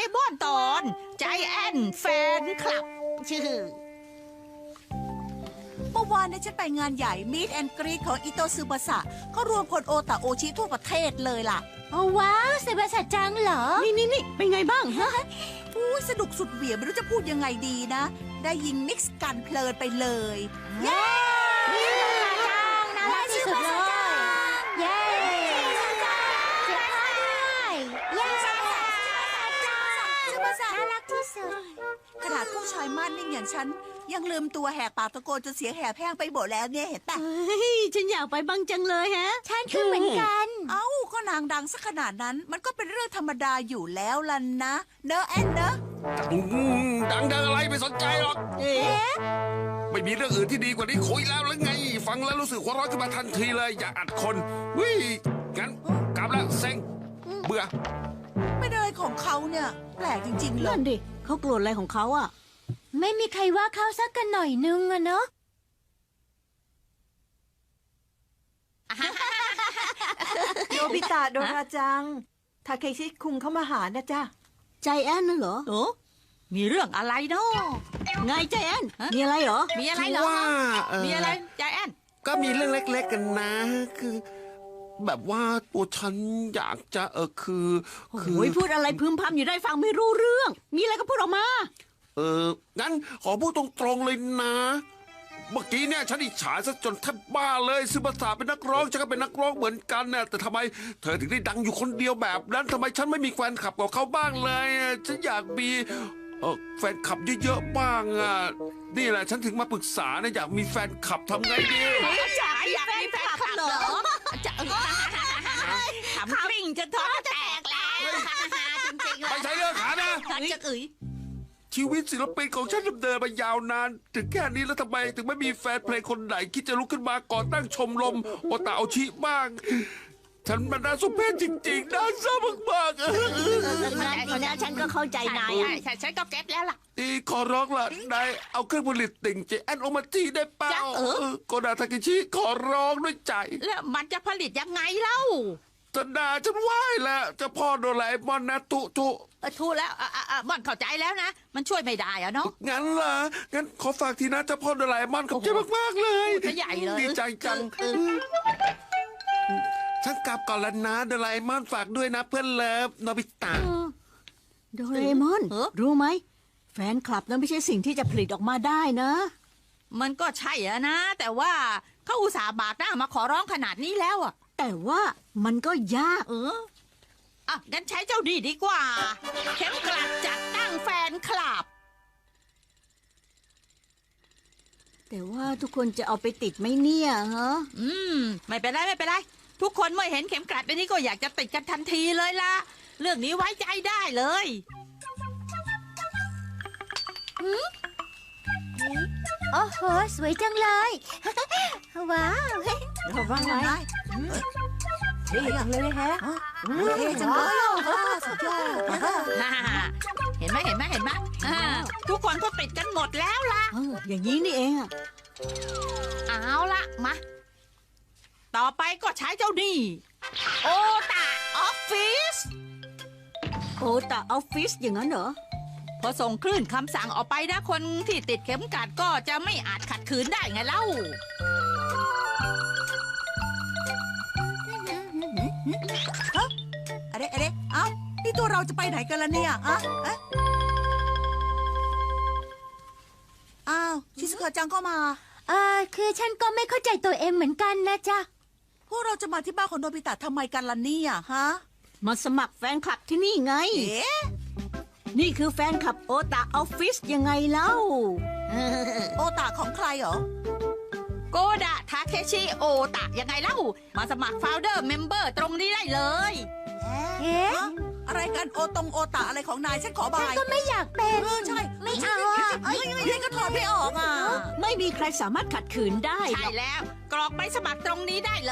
มอนตอนใจแอนแฟนคลับชื่อเมื่อวานเนี่ยฉันไปงานใหญ่ Meet and Greet ของอิโตซึบะสะเขารวมคนโอตาโอชิทั่วประเทศเลยล่ะโอ้ว้าวเซบาสะจังเหรอนี่เป็นไงบ้างฮะอู้สนุกสุดเหวี่ยงไม่รู้จะพูดยังไงดีนะ ได้ยิงมิกซ์กันเพลินไปเลย เย้น่ารักที่สุดเลยเย้เสียงพ่อด้วยเย้น่ารักที่สุดขนาดผู้ชายมั่นนิ่งอย่างฉัน ยังลืมตัวแหกปากตะโกนจนเสียงแหบแห้งไปหมดแล้วเนี่ยเห็นปะเฮ้ยฉันอยากไปบ้างจังเลยฮะฉันคือเหมือนกันเอ้าก็นางดังสักขนาดนั้น มันก็เป็นเรื่องธรรมดาอยู่แล้วล่ะนะเนอะแอนเนอะดังอะไรไม่สนใจหรอกเอ๊ะไม่มีเรื่องอื่นที่ดีกว่านี้คุยแล้วหรือไง ฟังแล้วรู้สึกหัวร้อนขึ้นมาทันทีเลย อยากอัดคนวิงั้นกลับแล้วเซ็งเบื่อเป็นอะไรของเขาเนี่ยแปลกจริงๆเลนั่ยนดิเขาโกรธอะไรของเขาอ่ะไม่มีใครว่าเขาสักกันหน่อยนึงอะเนาะโนบิตะโดราจัง ทาเคชิคุงเข้ามาหานะจ๊ะใจแอนน่ะเหรอโอ้มีเรื่องอะไรเนาะไงใจแอนมีอะไรเหรอมีอะไรเหรอว่ามีอะไรใจแอนก็มีเรื่องเล็กๆกันนะ คือ แบบว่าตัวฉันอยากจะคือโอ้ยพูดอะไรพึมพำอยู่ได้ฟังไม่รู้เรื่อง มีอะไรก็พูดออกมางั้นขอพูดตรงๆเลยนะ เมื่อกี้เนี่ยฉันอิจฉาซะจนแทบบ้าเลยซึบาสะเป็นนักร้องฉันก็เป็นนักร้องเหมือนกันน่ะแต่ทำไมเธอถึงได้ดังอยู่คนเดียวแบบนั้นทำไมฉันไม่มีแฟนคลับกับเขาบ้างเลยฉันอยากมีแฟนคลับเยอะๆบ้างอ่ะนี่แหละฉันถึงมาปรึกษานะอยากมีแฟนคลับทำไงดีอยากมีแฟนคลับเหรอจะขำกริ่งจนท้องแตกแล้วจริงๆไม่ใช่เรื่องขานะจะเอ๋ยชีวิตศิลปินของฉันดำเนินมายาวนาน ถึงแค่นี้แล้วทำไมถึงไม่มีแฟนเพลงคนไหนคิดจะลุกขึ้นมาก่อตั้งชมรมโอตาโอชิบ้าง ฉันมันน่าสมเพชจริงๆน่าเศร้ามากๆงั้นฉันก็เข้าใจนายอ่ะใช่ฉันก็เก็ตแล้วล่ะนี่ขอร้องล่ะนายเอาเครื่องผลิตติ่งเจแอนโอมาจีได้เปล่าจ๊ะโกดาทากิชิขอร้องด้วยใจแล้วมันจะผลิตยังไงเล่าจะด่าฉันไหว้แล้วเจะพ่อโดราเอมอนนะทุทูแล้วม่อนเข้าใจแล้วนะ มันช่วยไม่ได้อะเนาะงั้นล่ะงั้นขอฝากทีนะเจ้าพ่อโดราเอมอนขอบใจมากๆเลยจะใหญ่เลยดีใจจัง ฉันกลับก่อนแล้วนะโดราเอมอนฝากด้วยนะเพื่อนเลิฟโนบิตะโดเรมอน รู้ไหม แฟนคลับนั้นไม่ใช่สิ่งที่จะผลิตออกมาได้นะมันก็ใช่อะนะ แต่ว่าเขาอุตส่าห์บากหน้ามาขอร้องขนาดนี้แล้วอะแต่ว่ามันก็ยากงั้นใช้เจ้าดีดีกว่า เข็มกลัดจัดตั้งแฟนคลับแต่ว่าทุกคนจะเอาไปติดไหมเนี่ยฮะไม่เป็นไรไม่เป็นไร ทุกคนเมื่อเห็นเข็มกลัดแบบนี้ก็อยากจะติดกันทันทีเลยล่ะ เรื่องนี้ไว้ใจได้เลยโอ้โหสวยจังเลย ว้าวเราว่าไงเท่จังเลยแฮะเท่จังเลยสุดยอดเห็นไหมทุกคนก็ติดกันหมดแล้วล่ะอย่างนี้นี่เองอะเอาละมา ต่อไปก็ใช้เจ้านี่โอตาออฟฟิศโอตาออฟฟิศอย่างนั้นเหรอพอส่งคลื่นคำสั่งออกไปนะคนที่ติดเข็มกลัดก็จะไม่อาจขัดขืนได้ไงเล่าอะไรเอ้านี่ตัวเราจะไปไหนกันล่ะเนี่ยอะอ้าวชิสกะจังก็มาคือฉันก็ไม่เข้าใจตัวเองเหมือนกันนะจ๊ะพวกเราจะมาที่บ้านของโนบิตะทำไมกันล่ะเนี่ยฮะมาสมัครแฟนคลับที่นี่ไงเอ๊ะนี่คือแฟนคลับโอตาออฟฟิศยังไงเล่าโอตาของใครเหรอโกดะทาเคชิโอตะยังไงเล่า มาสมัคร Founder Member ตรงนี้ได้เลยเอ๊ะฮะอะไรกันโอตาอะไรของนายฉันขอบายก็ไม่อยากเป็นใช่ไม่เอาอ่ะเอ้ยก็ถอดไม่ออกอ่ะไม่มีใครสามารถขัดขืนได้หใช่รอกแล้ว กรอกใบสมัครตรงนี้ได้เลย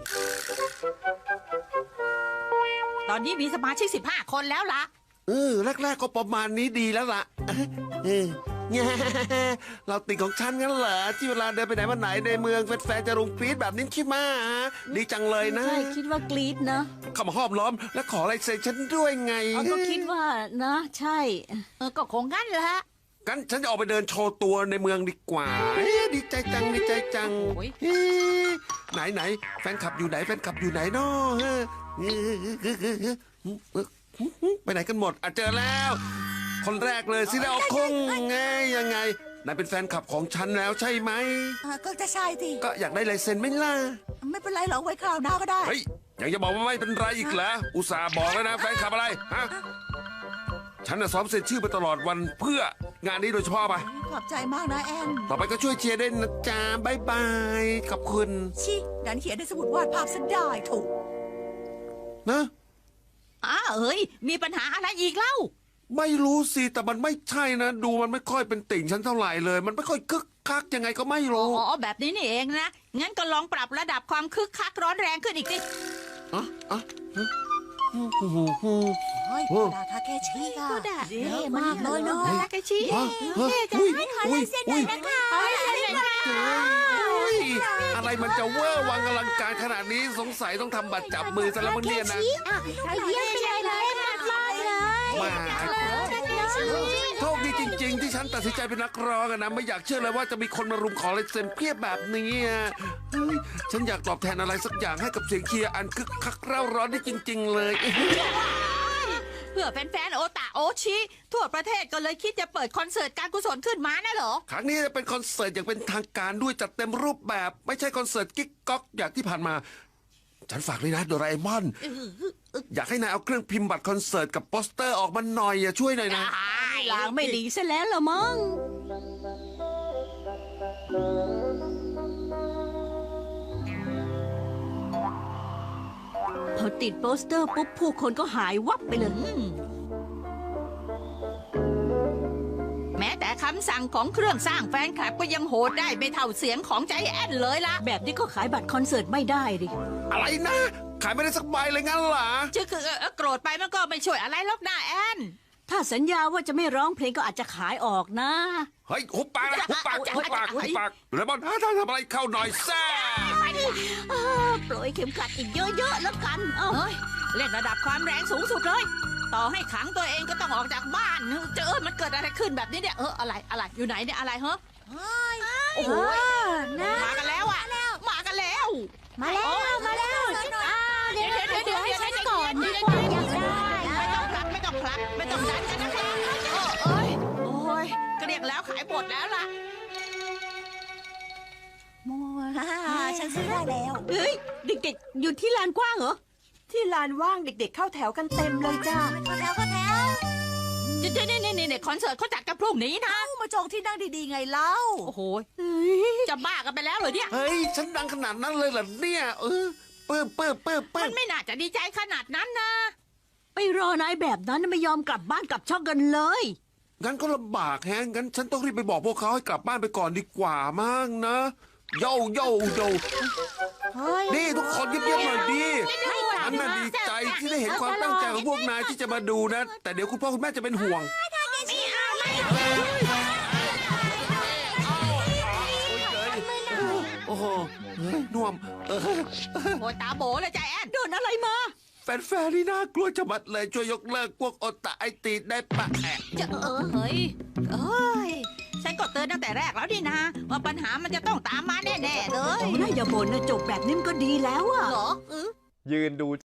ตอนนี้มีสมาชิก15 คนแล้วล่ะแรกๆก็ประมาณนี้ดีแล้วล่ะแง่เราติดของฉันงั้นเหรอที่เวลาเดินไปไหนมาไหนในเมืองแฟนๆจะรุมกรี๊ดแบบนี้ใช่ไหมดีจังเลยนะใช่คิดว่ากรี๊ดนะเข้ามาห้อมล้อมและขอลายเซ็นฉันด้วยไงก็คิดว่านะ ใช่ก็คงงั้นแหละงั้นฉันจะออกไปเดินโชว์ตัวในเมืองดีกว่าดีใจจังดีใจจังโอ้ยเอ๊ะไหนแฟนคลับอยู่ไหนแฟนคลับอยู่ไหนเนาะไปไหนกันหมดเจอแล้ว คนแรกเลยซิแล้วคงไงยังไงนายเป็นแฟนคลับของฉันแล้วใช่ไหมก็จะใช่ทีก็อยากได้ลายเซ็นไหมล่ะไม่เป็นไรหรอกไว้คราวหน้าก็ได้เฮ้ยยังจะบอกว่าไม่เป็นไรอีกเหรออุตส่าห์บอกแล้วนะแฟนคลับอะไรฮะฉันน่ะซ้อมเซ็นชื่อไปตลอดวันเพื่องานนี้โดยเฉพาะไปขอบใจมากนะแอนต่อไปก็ช่วยเชียร์ด้วยนะจ๊ะบายบายขอบคุณชิดันเขียนในสมุดวาดภาพซะได้ถูกนะเอ้ยมีปัญหาอะไรอีกเล่าไม่รู้สิแต่มันไม่ใช่นะ ดูมันไม่ค่อยเป็นติ่งฉันเท่าไหร่เลย มันไม่ค่อยคึกคักยังไงก็ไม่รู้แบบนี้นี่เองนะ งั้นก็ลองปรับระดับความคึกคักร้อนแรงขึ้นอีกสิอ่ะเฮ้ยดาทาเคชิอ่ะก็ได้เท่มากเลยเนาะลากาชิอะไรมันจะเวอร์วังอลังการขนาดนี้สงสัยต้องทำบัตรจับมือซะแล้วมั้งเนี่ยนะเยี่ยมไปเลยมากเลยมาโชคดีจริง ๆ ที่ฉันตัดสินใจเป็นนักร้องอะนะไม่อยากเชื่อเลยว่าจะมีคนมารุมขอลายเซ็นเพียบแบบนี้อะเฮ้ยฉันอยากตอบแทนอะไรสักอย่างให้กับเสียงเชียร์อันคึกคักเร่าร้อนได้จริง ๆ เลยเพื่อแฟนๆโอตาโอชิ ทั่วประเทศก็เลยคิดจะเปิดคอนเสิร์ตการกุศลขึ้นมานะเหรอครั้งนี้จะเป็นคอนเสิร์ตอย่างเป็นทางการด้วยจัดเต็มรูปแบบ ไม่ใช่คอนเสิร์ตกิ๊กก๊อกอย่างที่ผ่านมา ฉันฝากเลยนะโดราเอมอน อยากให้นายเอาเครื่องพิมพ์บัตรคอนเสิร์ตกับโปสเตอร์ออกมาหน่อยช่วยหน่อยนะลางไม่ดีซะแล้วละมั้งพอติดโปสเตอร์ปุ๊บผู้คนก็หายวับไปเลยแม้แต่คำสั่งของเครื่องสร้างแฟนคลับก็ยังโหดได้ไม่เท่าเสียงของใจแอนเลยล่ะแบบนี้ก็ขายบัตรคอนเสิร์ตไม่ได้ดิอะไรนะ ขายไม่ได้สักใบเลยงั้นเหรอจะคือโกรธไปมันก็ไม่ช่วยอะไรหรอกนะแอนถ้าสัญญาว่าจะไม่ร้องเพลงก็อาจจะขายออกนะเฮ้ยหุบปากนะหุบปากหุบปากหุบปากโดราเอมอนถ้าทำอะไรเข้าหน่อยแซ่ปล่อยเข็มขัดอีกเยอะๆแล้วกัน เอ้าเฮ้ยเล่นระดับความแรงสูงสุดเลย ต่อให้ขังตัวเองก็ต้องออกจากบ้านมันเกิดอะไรขึ้นแบบนี้เนี่ยอะไรอยู่ไหนเนี่ยอะไรเหรอโอ้โหมากันแล้วอะมากันแล้วมาแล้วเดี๋ยวให้ฉันก่อนดีกไม่ว่าอยากได้ต้องผลักไม่ต้องดันกันนะครับโอ้ยก็เรียกแล้วขายหมดแล้วล่ะมัวฉันซื้อได้แล้วเฮ้ยเด็กๆอยู่ที่ลานกว้างเหรอที่ลานว่างเด็กๆเข้าแถวกันเต็มเลยจ้าเนี่ยคอนเสิร์ตเขาจัดกันพรุ่งนี้นะมาจองที่นั่งดีๆไงเล่าโอ้โหจะบ้ากันไปแล้วเหรอเนี่ยเฮ้ยฉันดังขนาดนั้นเลยเหรอเนี่ยเปิ้มมันไม่น่าจะดีใจขนาดนั้นนะไปรอนายแบบนั้นไม่ยอมกลับบ้านกลับช่องกันเลยงั้นก็ลำบากแฮะงั้นฉันต้องรีบไปบอกพวกเขาให้กลับบ้านไปก่อนดีกว่ามั้งนะโย่นี่ทุกคนเงียบๆหน่อยดีฉันน่ะดีใจที่ได้เห็นความตั้งใจของพวกนายที่จะมาดูนะ แต่เดี๋ยวคุณพ่อคุณแม่จะเป็นห่วงโอ้โหน่วมโอ้ยตาโบเลยใจแอนโดนอะไรมาแฟนๆนี่น่ากลัวจะมัดเลยช่วยยกเลิกพวกโอตาไอตีได้ปะจะเฮ้ยฉันก็เตือนตั้งแต่แรกแล้วนี่นะว่าปัญหามันจะต้องตามมาแน่ๆเลยน่าอย่าบ่นนะจบแบบนี้มันก็ดีแล้วอะเหรอยืนดู